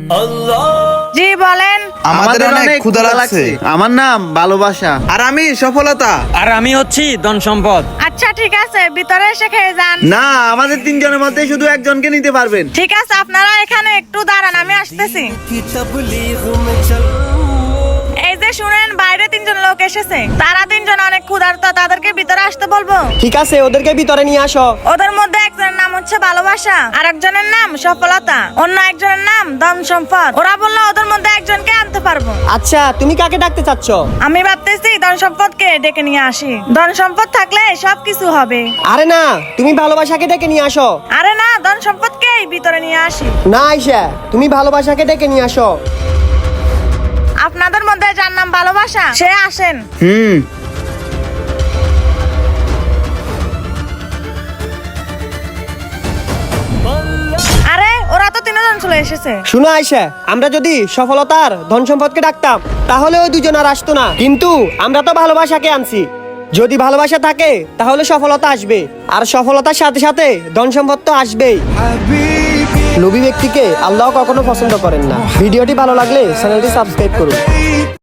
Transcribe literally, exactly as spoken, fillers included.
জি বলেন। আমাদের অনেক ক্ষুধা লাগছে। আমার নাম ভালোবাসা। আর আমি সফলতা। আর আমি হচ্ছি ধন সম্পদ। আচ্ছা ঠিক আছে, ভিতরে এসে খেয়ে যান। না, আমাদের তিনজনের মধ্যে শুধু একজনকে নিতে পারবেন। ঠিক আছে, আপনারা এখানে একটু দাঁড়ান, আমি আসতেছি। এই যে শুনেন, বাইরে তিনজন লোক এসেছে, তারা তিনজন অনেক ক্ষুধার্ত, তাদেরকে ভিতরে আসতে বলবো। ঠিক আছে, ওদেরকে ভিতরে নিয়ে আসো। ওদের মধ্যে একজনের নাম হচ্ছে ভালোবাসা, আর একজনের নাম সফলতা, অন্য একজনের নাম ধন সম্পদ। ওরা বললো ওদের মধ্যে একজনকে আনতে পারবো। আচ্ছা, তুমি কাকে ডাকতে চাচ্ছ? আমি ভাবতেছি ধন সম্পদকে ডেকে নিয়ে আসি, ধন সম্পদ থাকলে সবকিছু হবে। আরে না, তুমি ভালোবাসাকে ডেকে নিয়ে আসো। আরে না, ধন সম্পদকেই ভিতরে নিয়ে আসি। না আয়শা, তুমি ভালোবাসাকে ডেকে নিয়ে আসো। আপনাদের মধ্যে যার নাম ভালোবাসা, সে আসেন। হুম। আরে ওরা তো তিনজন চলে এসেছে। শুনো আয়শা, আমরা যদি সফলতার ধন সম্পদকে ডাকতাম তাহলে ওই দুজন আর আসতো না, কিন্তু আমরা তো ভালোবাসাকে আনছি। যদি ভালোবাসা থাকে তাহলে সফলতা আসবে, আর সফলতার সাথে সাথে ধন সম্পদ তো আসবেই। লোভী ব্যক্তিকে আল্লাহ কখনো পছন্দ করেন না। ভিডিওটি ভালো লাগলে চ্যানেলটি সাবস্ক্রাইব করুন।